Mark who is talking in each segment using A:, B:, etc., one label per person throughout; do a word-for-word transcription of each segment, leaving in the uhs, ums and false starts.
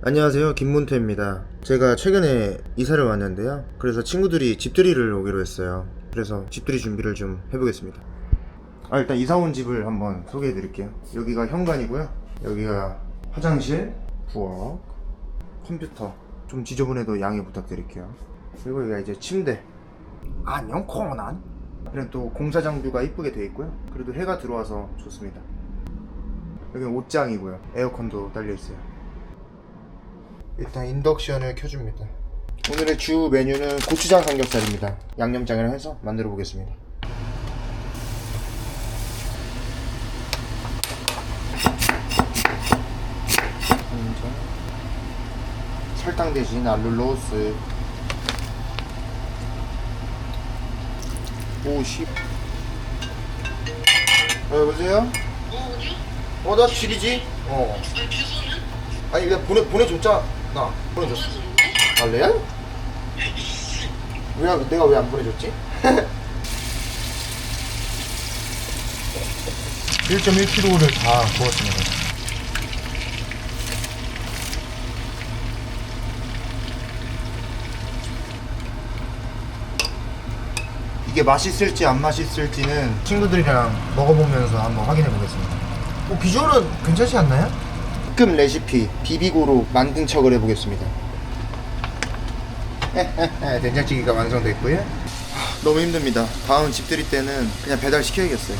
A: 안녕하세요, 김문태입니다. 제가 최근에 이사를 왔는데요, 그래서 친구들이 집들이를 오기로 했어요. 그래서 집들이 준비를 좀 해보겠습니다. 아, 일단 이사 온 집을 한번 소개해 드릴게요. 여기가 현관이고요, 여기가 화장실, 부엌, 컴퓨터. 좀 지저분해도 양해 부탁드릴게요. 그리고 여기가 이제 침대. 안녕 코난. 그리고 또 공사장뷰가 이쁘게 되어 있고요. 그래도 해가 들어와서 좋습니다. 여기는 옷장이고요, 에어컨도 달려 있어요. 일단 인덕션을 켜줍니다. 오늘의 주 메뉴는 고추장 삼겹살입니다. 양념장이랑 해서 만들어 보겠습니다. 설탕 대신 알룰로스. 오십. 어, 여보세요?
B: 어, 어디야?
A: 어, 나 지리지? 어.
B: 아니, 주소는?
A: 아니, 내가 보내, 보내줬잖아. 나 보내줬어. 아, 레알? 왜, 내가 왜 안 보내줬지? 일 점 일 킬로그램을 다 구웠습니다. 이게 맛있을지 안 맛있을지는 친구들이랑 먹어보면서 한번 확인해 보겠습니다. 뭐 비주얼은 괜찮지 않나요? 특급 레시피 비비고로 만든 척을 해보겠습니다. 된장찌개가 완성됐고요. 너무 힘듭니다. 다음 집들이 때는 그냥 배달 시켜야겠어요.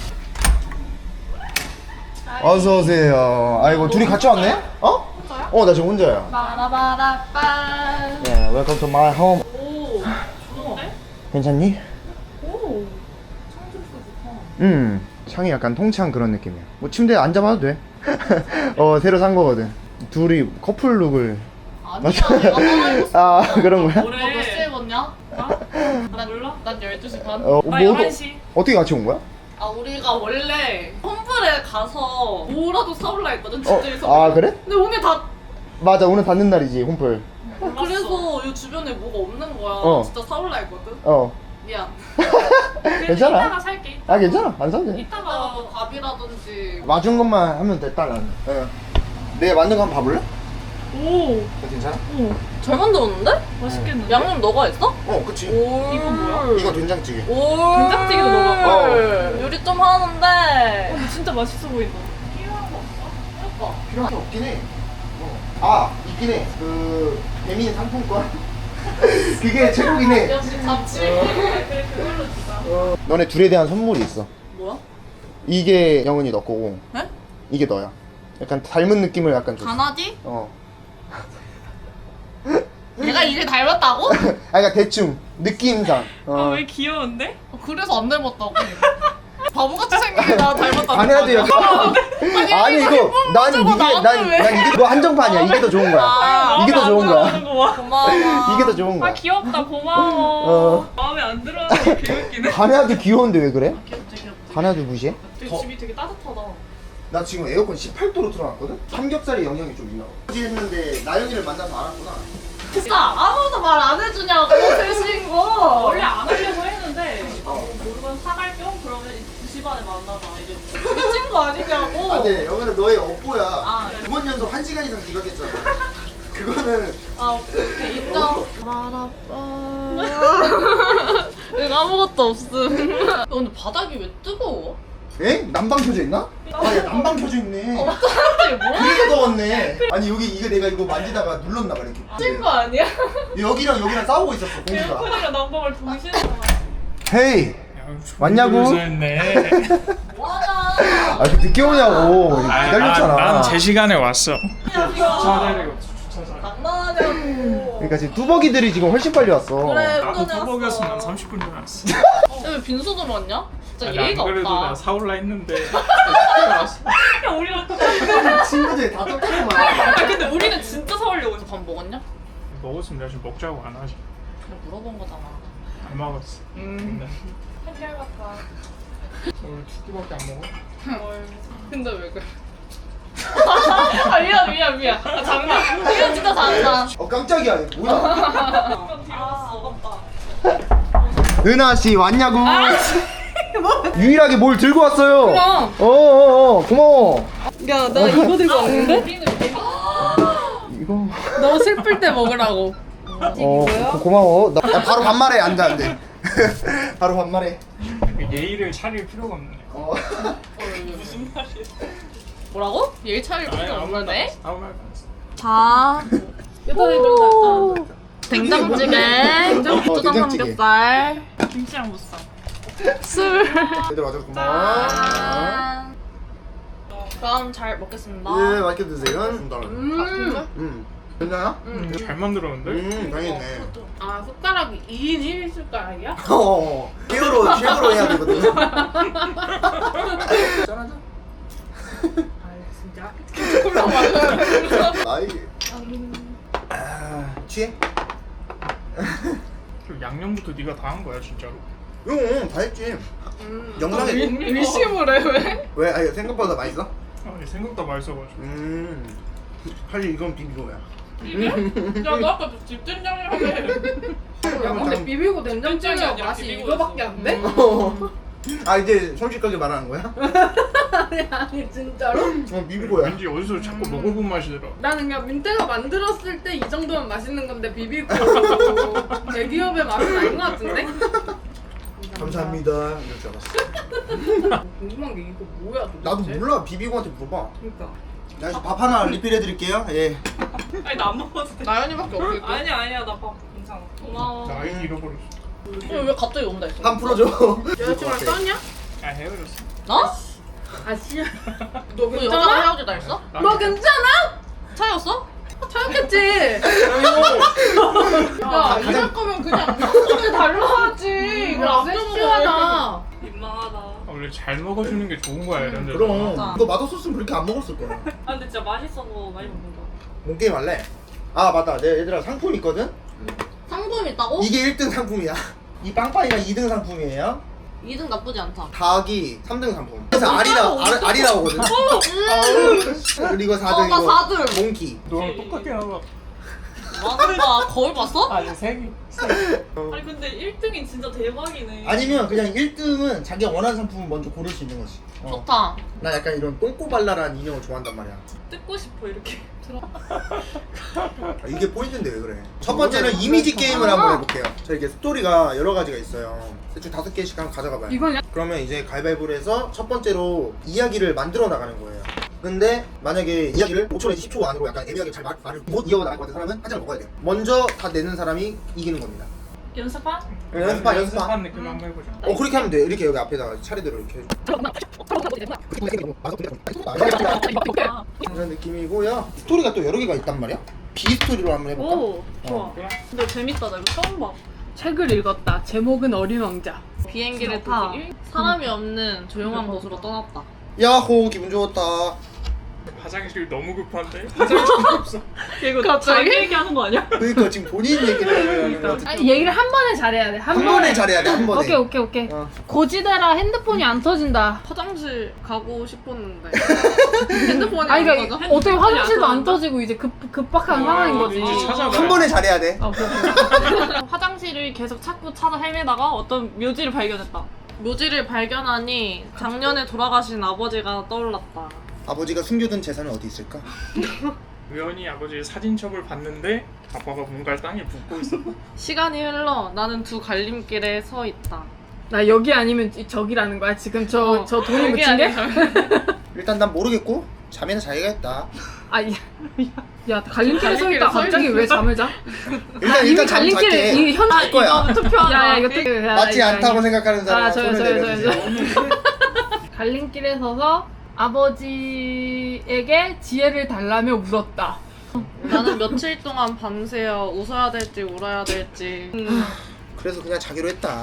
A: 어서 오세요. 아이고, 둘이 같이 왔네? 어?
C: 혼자요?
A: 어, 나 지금 혼자야.
C: 바라바라빠.
A: 네, welcome to my home.
C: 오, 좋은데?
A: 괜찮니?
C: 오, 창조주가 좋다.
A: 음, 창이 약간 통창 그런 느낌이야. 뭐 침대에 앉아봐도 돼. 어, 새로 산 거거든. 둘이 커플 룩을.
C: 아니야, 내가 따라 입었어.
A: 아, 그런 거야?
C: 너 몇 시에 입었냐? 나? 난 몰라? 난 열두 시 반.
A: 어,
C: 나
A: 뭐,
C: 열한 시.
A: 어떻게 같이 온 거야?
C: 아, 우리가 원래 홈플에 가서 뭐라도 사올라 했거든,
A: 어,
C: 집들이서.
A: 아, 그래?
C: 근데 오늘 다
A: 맞아, 오늘 닫는 날이지, 홈플.
C: 그래서 이 주변에 뭐가 없는 거야.
A: 어.
C: 진짜 사올라 했거든.
A: 어.
C: 미안.
A: 괜찮아.
C: 이따가 살게.
A: 아, 괜찮아. 안 사도 돼.
C: 이따가 뭐 밥이라든지.
A: 와준 것만 하면 됐다, 나는. 어. 내가 만든 거 한번 봐볼래?
C: 오,
A: 괜찮아?
C: 오, 잘 만들었는데?
A: 맛있겠는데?
C: 양념 너가 했어?
A: 어, 그치.
C: 오, 이건 뭐야?
A: 이거 된장찌개.
C: 오, 된장찌개도 넣어봤고.
A: 어.
C: 요리 좀 하는데.
D: 근데 진짜 맛있어 보인다.
C: 필요한 거 없어? 그러니까.
A: 필요한 게 없긴 해. 어. 아, 있긴 해. 그, 배민 상품권. 그게 최고긴 해.
C: 역시 잡지. 그래, 그걸로 주자.
A: 어. 너네 둘에 대한 선물이 있어.
C: 뭐야?
A: 이게 영은이 너 거고,
C: 네?
A: 이게 너야. 약간 닮은 느낌을 약간 줬어.
C: 강아지?
A: 어.
C: 얘가 이를 닮았다고?
A: 아, 그러니까 대충 느낌상. 어.
D: 아, 왜 귀여운데?
C: 그래서 안 닮았다고. 바보같이 생긴 나 닮았다고.
A: 반해야지 약간. 아니 이거 난 이게 난, 난 이게 뭐 한정판이야. 이게 더 좋은 거야.
C: 아,
A: 이게 더 좋은 거야.
D: 거야.
C: 고마워.
A: 이게 더 좋은
D: 아,
A: 거야.
D: 귀엽다. 고마워.
A: 어.
D: 마음에 안 들어하는 게 개웃기네.
A: 반해야도 귀여운데 왜 그래?
C: 귀엽지, 귀엽지.
A: 반해야도 무시해?
D: 되게 집이 되게 따뜻하다.
A: 나 지금 에어컨 십팔 도로 틀어놨거든? 삼겹살에 영향이 좀 있나 봐. 어제 했는데 나영이를 만나서 알았구나.
C: 진짜 아무도 말 안 해주냐고, 대신 거.
D: 원래 안 하려고 했는데 아, 뭐 물건 사갈 겸 그러면 두 시 반에 만나자 이제.
C: 미친 거 아니냐고.
A: 아, 네, 영은은 너의 업보야.
C: 아, 네.
A: 두 번 연속 한 시간 이상 지각했잖아. 그거는
C: 아, 오케이, 인정. 여기 아무것도 없음. 야, 근데 바닥이 왜 뜨거워?
A: 에? 난방 켜져 있나? 아, 야, 난방 켜져 있네.
C: 갑자기 뭐야?
A: 그래서 더웠네. 아니 여기 이거 내가 이거 만지다가 눌렀나 봐 이렇게.
C: 미친 거 아니야?
A: 여기랑 여기랑 싸우고 있었어 공기가.
D: 에어컨이랑 난방을 동시에 사.
A: 헤이 왔냐고?
E: 네.
C: 뭐하냐?
A: 아, 그 늦게 오냐고. 기다렸잖아.
E: 난 제 시간에 왔어.
C: 장난하냐고.
A: 그러니까 지금 뚜벅이들이 지금 훨씬 빨리 왔어.
C: 그래,
E: 나도
C: 운전해
E: 뚜벅이었으면
C: 왔어.
E: 삼십 분 전에 왔어.
C: 왜 빈소도 왔냐? 진짜
E: 아니,
C: 예의가
E: 안 그래도
C: 없다.
E: 나 사올라 했는데 왔어.
D: 야, 우리랑 똑같아.
A: 친구들이 다 똑같구만.
C: 아, 근데 우리는 진짜 사오려고 해서 밥 먹었냐?
E: 먹었으면 내가 지금 먹자고 안 하지.
C: 그냥 물어본 거잖아.
E: 안 먹었어.
C: 음.
E: 근데
D: 한결 같다.
E: 오늘 두 끼밖에 안 먹어?
D: 뭘.
C: 근데 왜 그래? 아, 미안, 미안, 미안. 아, 장난. 이건 진짜 장난.
A: 어, 깜짝이야. 이거 뭐야?
D: 좀 뒤로 갔어.
A: 은하 씨 왔냐고? 유일하게 뭘 들고 왔어요.
C: 그럼.
A: 어, 어, 어, 고마워.
D: 야, 나 이거 들고 왔는데?
C: 우리는 재미.
A: 이거
E: 이거
C: 너무 슬플 때 먹으라고.
A: 어 고, 고마워. 나 야, 바로 반말해 앉아 안 돼. 바로 반말해.
E: 예의를 차릴 필요가 없네.
A: 어.
C: 무슨 말이야? 뭐라고? 예의 차릴 필요
E: 아무 말도 안
C: 없는데?
E: 했어. 아무 말도 안 했어.
C: 자,
D: 오.
C: 된장찌개,
A: 어,
C: 초장
A: 된장찌개.
C: 삼겹살,
D: 김치랑 무쌈.
C: 술.
A: 얘들 와줘서 고마워.
C: 짠. 그럼 잘 먹겠습니다.
A: 예 맛있게 드세요.
C: 음.
A: 음. 괜찮아?
E: 음, 잘 만들었는데?
A: 음 당연네.
D: 아 숟가락이 이 인 일 숟가락이야?
A: 어. 쉐어로 쉐어로 해야 되거든. 짠하자.
D: 아 진짜?
A: 아이. 아 취해?
E: 그 양념부터 네가 다 한 거야 진짜로?
A: 응, 다 했지. 영상에
C: 의심을 해 왜?
A: 왜? 아니 생각보다 맛있어?
E: 아니 생각보다 맛있어가지고.
A: 음. 사실 이건 비비고야.
D: 야너 아까 집된장이라며. 야 근데 비비고 된장찌개가 맛이 이거밖에 안 돼?
A: 아 이제 솔직하게 말하는 거야?
D: 아니 아니 진짜로?
A: 어 비비고야.
E: 왠지 어디서 자꾸 먹어본 맛이더라.
D: 나는 그냥 민태가 만들었을 때 이 정도면 맛있는 건데 비비고 대기업의 맛은 아닌 것 같은데?
A: 감사합니다. 이럴 줄 알았어.
D: 궁금한 게 이거 뭐야 도대체?
A: 나도 몰라. 비비고한테 물어봐.
D: 그러니까
A: 나 밥 하나 리필해드릴게요. 예.
C: 아니 나 안 먹어도 돼. 나연이밖에 없겠고.
D: 아니야 아니야 나 밥 괜찮아.
C: 고마워.
E: 나 아이디 잃어버렸어.
C: 어, 왜 갑자기 온다 했어?
A: 한 풀어줘.
D: 여자친구랑 싸웠냐?
E: 아 헤어졌어.
C: 어?
D: 아 씨야.
C: 너
D: 괜찮아?
C: 여자랑 헤어지다 했어?
D: 너 괜찮아?
C: 차였어?
D: 차였겠지? 야 이럴 거면 그냥 소리 달라하지. 이거
C: 안
D: 섹시하다.
C: 민망하다.
E: 아, 원래 잘 먹어주는 게 좋은 거야 이런 데서.
A: 그럼.
C: 맞아.
A: 너 맛없었으면 그렇게 안 먹었을 거야.
C: 아 근데 진짜 맛있어서 많이 먹는다.
A: 뭔 게임 할래? 아 맞다. 내 얘들아 상품 있거든?
C: 상품 있다고?
A: 이게 일 등 상품이야. 이 빵빵이가 이 등 상품이에요.
C: 이 등 나쁘지 않다.
A: 닭이 삼 등 상품. 그래서 알이 나 알, 알이 나오거든. 그리고 사 등
C: 어, 나
A: 이거
C: 사 등.
A: 몽키.
E: 너랑 똑같게 나와.
C: 맞다. 거울 봤어?
E: 아니 세 개.
C: 아니 근데 일 등이 진짜 대박이네.
A: 아니면 그냥 일 등은 자기가 원하는 상품을 먼저 고를 수 있는 거지. 어.
C: 좋다.
A: 나 약간 이런 똥꼬발랄한 인형을 좋아한단 말이야.
C: 뜯고 싶어 이렇게.
A: 아, 이게 포인트인데 왜 그래? 첫 번째는 이미지 게임을 한번 해볼게요. 자 이게 스토리가 여러 가지가 있어요. 대충 다섯 개씩 한번 가져가봐요.
D: 이건 야-
A: 그러면 이제 가위바위보를 해서 첫 번째로 이야기를 만들어 나가는 거예요. 근데 만약에 이야기를 오 초에서 십 초 안으로 약간 애매하게 잘 말, 말을 못 이어나갈 것 같은 사람은 한 잔을 먹어야 돼요. 먼저 다 내는 사람이 이기는 겁니다.
C: 연습한?
A: 연습하 연습하.
E: 연습한 느낌 한번 해보자.
A: 어 그렇게 하면 돼. 이렇게 여기 앞에다가 차례대로 이렇게 해줘. 이런 느낌이고요. 스토리가 또 여러 개가 있단 말이야. 비스토리로 한번 해볼까?
D: 오 좋아.
A: 어.
C: 근데 재밌다. 나 이거 처음 봐.
D: 책을 읽었다. 제목은 어린 왕자.
C: 비행기를 타 사람이 없는 조용한 곳으로 떠났다.
A: 야호 기분 좋았다.
E: 화장실 너무 급한데? 화장실 없어.
C: 이거
D: 갑자기?
C: 자기 얘기하는 거 아니야?
A: 그러니까 지금 본인 얘기를 하는 거 같아.
D: 아니 얘기를 한 번에 잘해야 돼. 한,
A: 한 번에 잘해야 돼. 한 번에.
D: 오케이 오케이 오케이.
A: 어.
D: 고지대라 핸드폰이 안 터진다.
C: 화장실 가고 싶었는데 핸드폰이
D: 아
C: 안
D: 그러니까
C: 터져?
D: 어떻게 화장실도 안
C: 터진다?
D: 터지고 이제 급 급박한
E: 어,
D: 상황인 거지.
E: 이제 찾아봐.
A: 한 번에 잘해야 돼.
D: 아, 오케이 오케이.
C: 화장실을 계속 찾고 찾아 헤매다가 어떤 묘지를 발견했다. 묘지를 발견하니 작년에 돌아가신 아버지가 떠올랐다.
A: 아버지가 숨겨둔 재산은 어디 있을까?
E: 우연히 아버지의 사진첩을 봤는데 아빠가 뭔가를 땅에 붓고 있었다.
C: 시간이 흘러 나는 두 갈림길에 서 있다.
D: 나 여기 아니면 이- 저기라는 거야. 지금 저 저
C: 어,
D: 돈이
C: 여기
D: 묻힌 게?
C: 아니면
A: 일단 난 모르겠고 잠에는 자야겠다.
D: 아, 야, 야 갈림길에 서
C: 갈림길에
D: 있다
C: 서
D: 갑자기
C: 있는
D: 왜 잠을 자?
A: 일단
D: 이미
A: 일단 잠
D: 갈림길에
A: 잘게.
D: 이 현.
C: 아,
A: 거야.
C: 이거 투표하자.
D: 야, 야 이거 또 야,
A: 맞지
D: 이거,
A: 않다고
D: 이거.
A: 생각하는 사람
D: 아, 저요,
A: 손을
D: 저요,
A: 내려주세요.
D: 저요, 갈림길에 서서 아버지에게 지혜를 달라며 울었다.
C: 나는 며칠 동안 밤새어 웃어야 될지 울어야 될지. 음.
A: 그래서 그냥 자기로 했다.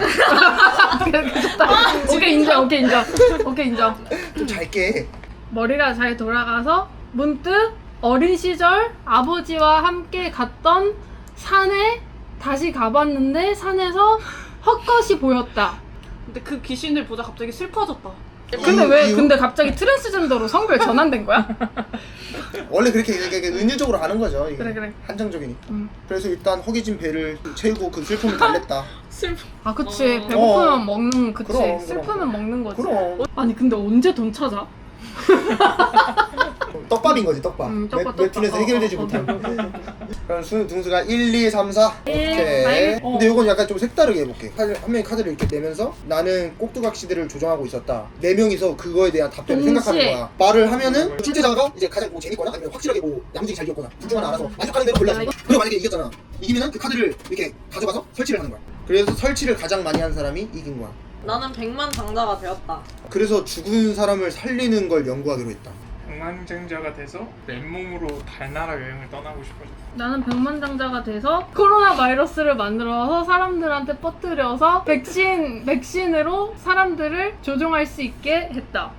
D: 오케이 인정, 오케이 인정, 오케이 인정.
A: 좀 잘게.
D: 머리가 잘 돌아가서 문득 어린 시절 아버지와 함께 갔던 산에 다시 가봤는데 산에서 헛것이 보였다.
C: 근데 그 귀신을 보자 갑자기 슬퍼졌다.
D: 근데
A: 이유,
D: 왜
A: 이유?
D: 근데 갑자기 트랜스젠더로 성별 전환된 거야?
A: 원래 그렇게 이렇게 은유적으로 가는 거죠. 이게.
D: 그래, 그래.
A: 한정적이니까.
D: 음.
A: 그래서 일단 허기진 배를 채우고 그 슬픔을 달랬다.
C: 슬퍼.
D: 아 그치
C: 어.
D: 배고프면
A: 어.
D: 먹는 그치
A: 그럼, 그럼.
D: 슬프면 먹는 거지.
A: 그럼
D: 아니 근데 언제 돈 찾아?
A: 떡밥인 거지 떡밥.
D: 음, 떡밥,
A: 웹- 웹툰에서
D: 떡밥.
A: 해결되지
D: 어, 어,
A: 못한.
D: 오케이, 오케이, 오케이.
A: 그럼 수, 등수가 일, 이, 삼, 사. 오케이. 근데 이건 약간 좀 색다르게 해볼게. 카드, 한 명이 카드를 이렇게 내면서 나는 꼭두각시들을 조정하고 있었다. 네 명이서 그거에 대한 답변을
C: 동시에.
A: 생각하는 거야. 말을 하면은 출제자가 이제 가장 뭐 재밌거나 아니면 확실하게 뭐 야무지게 잘 이겼거나 둘 중 하나 알아서 만족하는 대로 골라서. 그리고 만약에 이겼잖아. 이기면은 그 카드를 이렇게 가져가서 설치를 하는 거야. 그래서 설치를 가장 많이 한 사람이 이긴 거야.
C: 나는 백만 장자가 되었다.
A: 그래서 죽은 사람을 살리는 걸 연구하기로 했다.
E: 백만장자가 돼서 맨몸으로 달나라 여행을 떠나고 싶어졌어.
D: 나는 백만장자가 돼서 코로나 바이러스를 만들어서 사람들한테 퍼뜨려서 백신 백신으로 사람들을 조종할 수 있게 했다.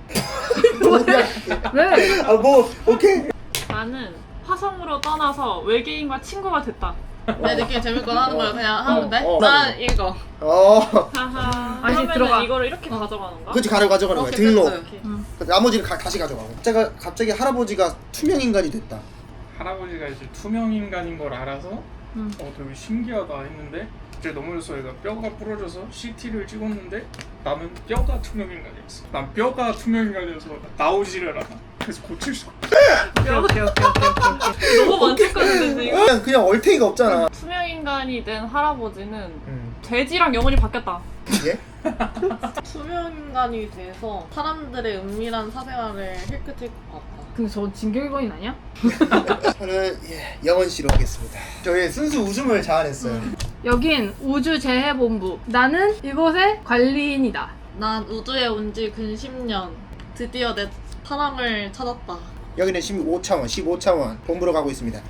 D: 왜?
A: 아 뭐 오케이.
B: 나는 화성으로 떠나서 외계인과 친구가 됐다.
C: 내 느낌이 재밌거나 하는 거야. 그냥 하면 돼?
A: 어.
C: 난 이거.
A: 어.
B: 하하.
D: 아니,
B: 그러면은
D: 들어가.
B: 이거를 이렇게 가져가는 거야?
A: 그렇지 가려 가져가는 거야.
C: 오케이,
A: 등록.
C: 됐어.
B: 이렇게.
A: 나머지는 가, 다시 가져가고. 제가 갑자기 할아버지가 투명 인간이 됐다.
E: 할아버지가 이제 투명 인간인 걸 알아서
D: 음.
E: 어 되게 신기하다 했는데 이제 넘어져서 얘가 뼈가 부러져서 씨티를 찍었는데 나는 뼈가 투명 인간이었어. 난 뼈가 투명 인간이어서 나오지를 않아. 그래서 고칠 수 없어.
D: 오케이 오케이 오케이 오케이.
B: 너무 만족하는데 지금.
A: 그냥 그냥 얼탱이가 없잖아.
B: 투명 인간이 된 할아버지는
A: 음.
B: 돼지랑 영혼이 바뀌었다.
A: 예?
C: 투명 인간이 돼서 사람들의 은밀한 사생활을 힐끗힐 것 같다.
D: 근데 저 진격의거인 아니야?
A: 저는 예, 영원 씨로 하겠습니다. 저의 순수 웃음을 자아냈어요.
D: 여긴 우주재해본부. 나는 이곳의 관리인이다.
C: 난 우주에 온 지 근 십 년. 드디어 내 사랑을 찾았다.
A: 여기는 십오 차원, 십오 차원 본부로 가고 있습니다.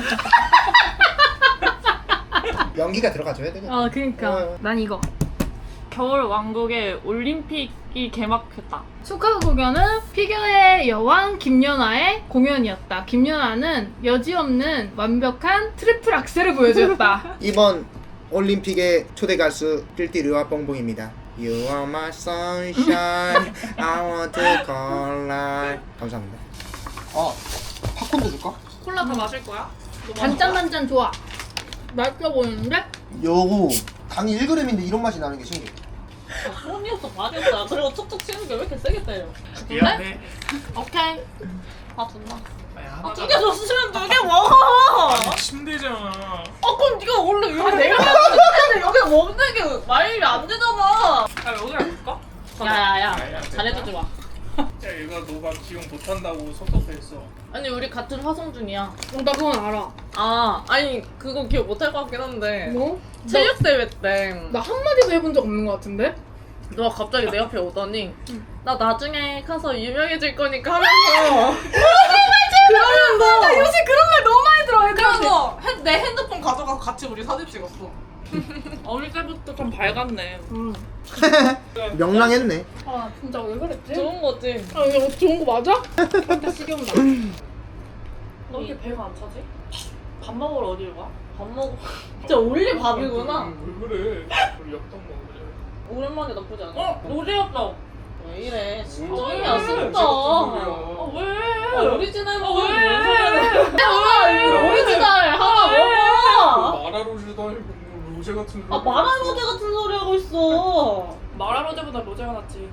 A: 연기가 들어가줘야 되겠다.
D: 어 그니까
A: 어.
D: 난 이거.
B: 겨울 왕국의 올림픽이 개막했다.
D: 축하 공연은 피겨의 여왕 김연아의 공연이었다. 김연아는 여지없는 완벽한 트리플 악셀을 보여주었다.
A: 이번 올림픽의 초대 가수 띨띠르와 뽕뽕입니다. You are my sunshine, I want to call light. 감사합니다. 아, 팝콘도 줄까?
B: 콜라 다 마실 거야?
D: 단짠단짠 좋아. 맛있어 보이는데?
A: 요거 당이 일 그램인데 이런 맛이 나는 게 신기해.
C: 손이었어 봐줬다. 그리고 툭툭 치는 게 왜 이렇게 세게 때려?
E: 미안해.
C: 오케이. 아 존나.
E: 아니,
C: 아,
E: 하나가-
C: 두 개 줬으면 두 개 먹어.
E: 아니 침대잖아.
C: 아 그럼 네가 원래 여기 내가 먹는데 여기 먹는 게 말이 안 되잖아.
B: 아 여기랑 줄까?
C: 야야야
E: 야, 야,
C: 잘해주지 마.
E: 야 얘가 너가 기억 못한다고 섭섭했어.
C: 아니 우리 같은 화성 중이야.
D: 어, 나 그건 알아.
C: 아 아니 그거 기억 못할 것 같긴 한데
D: 뭐?
C: 체육 대회 때
D: 나 한마디도 해본 적 없는 것 같은데?
C: 너가 갑자기 내 옆에 오더니 나 나중에 가서 유명해질 거니까 하면서 그러면서 나 요새 그런 말 너무 많이 들어. 그래서 핸- 내 핸드폰 가져가서 같이 우리 사진 찍었어.
B: 어릴 때부터 좀 밝았네.
D: 응.
A: 명랑했네.
D: 아 진짜 왜 그랬지?
C: 좋은 거지.
D: 아 이거 좋은 거 맞아? 진짜 시경다.
B: 너 이렇게 배가 안 차지? 밥 먹으러 어디를 가?
C: 밥 먹어. 진짜 올리 밥이구나.
E: 음, 왜 그래? 우리 엽떡 먹으래.
C: 오랜만에 나쁘지 않아.
B: 어? 노제였다.
C: 왜 이래? 진짜
E: 왜?
C: 야 진짜.
E: 진짜
B: 아 왜?
C: 아, 오리지널 먹어.
B: 왜?
C: 왜? 오리지널 하나 먹어.
E: 마라로즈도 아니고 뭐 로제 같은 소리.
C: 아 마라로제 같은 소리 하고 있어.
B: 마라로제보다 로제가 낫지.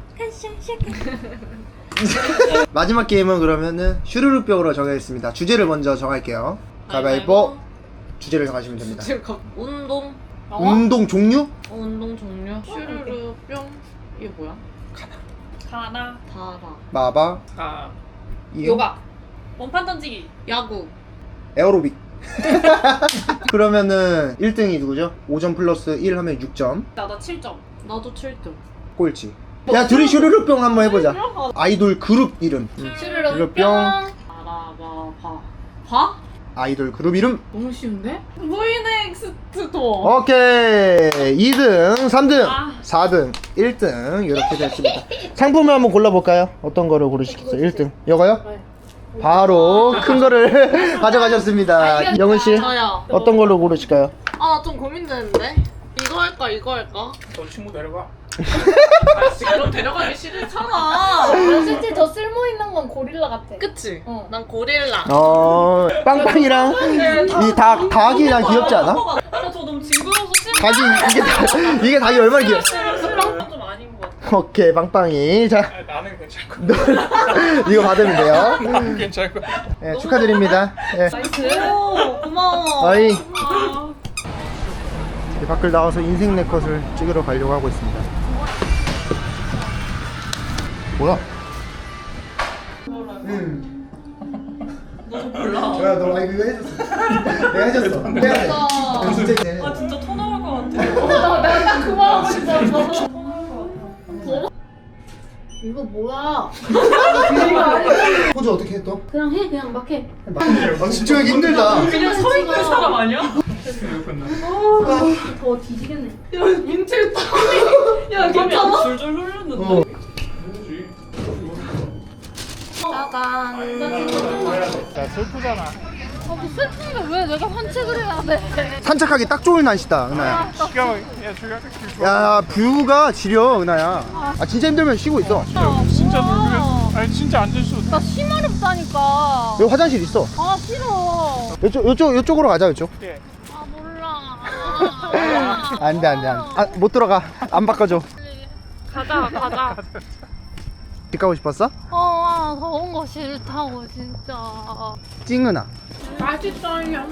A: 마지막 게임은 그러면은 슈르륵벽으로 정하겠습니다. 주제를 먼저 정할게요. 가위바위보. 주제를 정하시면 됩니다.
C: 지금 가... 운동.
A: 운동 종류?
C: 어, 운동 종류. 슈르르 뿅. 이게 뭐야?
B: 가나.
C: 다라.
A: 마바.
E: 아
A: 이응,
D: 요가.
B: 원판 던지기.
C: 야구.
A: 에어로빅. 그러면은 일 등이 누구죠? 오 점 플러스 일 하면 육 점.
B: 나나 칠 점.
C: 나도 칠 점.
A: 꼴찌. 야 둘이 슈르륵병 한번 해보자. 아이돌 그룹 이름. 음.
D: 슈르륵
A: 슈르륵
D: 뿅.
C: 알아봐 봐. 봐?
A: 아이돌 그룹 이름.
D: 너무 쉬운데?
C: 브이넥스트 도어.
A: 오케이. 이 등, 삼 등,
B: 아.
A: 사 등, 일 등 이렇게 됐습니다. 상품을 한번 골라볼까요? 어떤 거를 고르시겠어요? 일 등. 이거요? 바로 큰 거를 가져가셨습니다. 영은 씨
C: 저요.
A: 어떤 걸로 고르실까요?
C: 아 나 좀 고민되는데. 이거 할까 이거 할까?
E: 너 친구 내려가.
C: 아 그럼 데려가기 싫잖아.
D: 실제 저 쓸모 있는 건 고릴라 같아.
C: 그치?
D: 어.
C: 난 고릴라.
A: 어 빵빵이랑 이 닭 닭이랑 귀엽지 않아?
B: 아저 너무 징그러워서 싫어.
A: 닭이 이게 닭- 이게 닭이 얼마나 귀여?
B: 좀 아닌 것 같아.
A: 오케이 빵빵이 자
E: 아, 나는 괜찮을 거야.
A: 이거 받으면 돼요.
E: 나는 괜찮을 거야.
A: 네, 축하드립니다. 네.
C: 오 고마워.
A: 아이. 이제 밖을 나와서 인생 네컷을 찍으러 가려고 하고 있습니다. 뭐야? 응.
B: 몰라.
A: 야, 너 아, 이거 해줬어. 내가 해줬어. 미안해. 너 진짜 이제.
B: 아 진짜 토 나올 것 같아.
D: 나 내가 딱 그 말 하고 싶었어.
B: 토 나올 것 같아.
D: 이거 뭐야?
A: 포즈 어떻게 해 또?
D: 그냥 해, 그냥 막 해.
A: 아, 집중하기 힘들다.
B: 그냥 서 있는 사람 아니야?
D: 더 뒤지겠네.
B: 야 민트 땀이. 야 괜찮아? 줄줄 흘렸는데.
A: 어.
D: 짜잔.
E: 야 슬프잖아.
D: 아, 뭐 슬픈데 왜 내가 산책을 해야 돼?
A: 산책하기 딱 좋은 날씨다, 은하야.
E: 기가 막- 야 저기 아까 길 좋아.
A: 야, 뷰가 지려, 은하야. 아, 진짜 힘들면 쉬고 있어.
E: 진짜 놀면 아니 진짜 앉을 수 없어.
D: 나 심하렵다니까.
A: 여기 화장실 있어.
D: 아 싫어.
A: 이쪽, 이쪽, 이쪽으로 가자, 이쪽.
E: 예.
D: 아 몰라.
A: 안 돼, 안 돼, 안 돼. 아, 못 들어가. 안 바꿔줘.
D: 가자 가자.
A: 집 가고 싶었어?
D: 어, 아, 더운 거 싫다고 진짜.
A: 찡은아.
D: 맛있어요.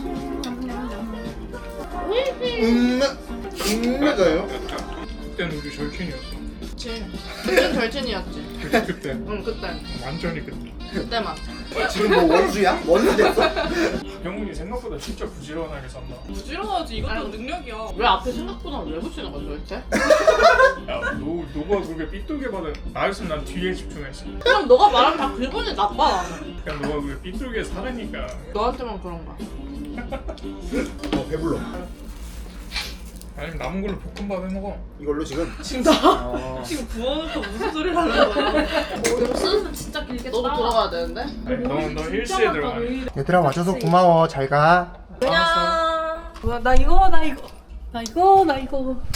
A: 음메, 음메가요?
E: 그때는 우리 절친이었어.
C: 그치. 그땐 절친이었지.
E: 그때 그때
C: 응, 그때.
E: 완전히 그때.
C: 그때만.
A: 지금 뭐 원수야? 원수 됐어?
E: 영훈이 생각보다 진짜 부지런하게 산다.
B: 부지런하지 이것도 능력이야.
C: 왜 앞에 생각보다 왜 붙이는 거야 도대체?
E: 야, 너 너가 그렇게 삐뚤게 받은 나였으면 난 뒤에 집중했어.
C: 그냥 너가 말하면 다 기분이 나빠 나는.
E: 그냥 너가 그렇게 삐뚤게 살으니까.
C: 너한테만 그런가.
A: 어, 배불러.
E: 아니면 남은 걸로 볶음밥 해 먹어.
A: 이걸로 지금?
B: 진짜?
A: 어.
B: 지금 부어놓고 무슨 소리를 하는 거야?
D: 쓰면 진짜 길게
C: 너도 들어가야 되는데.
E: 아니 너너 힐스에 들어가.
A: 얘들아, 와줘서 고마워. 잘 가.
B: 그냥 뭐야 나 이거 나 이거 나 이거 나 이거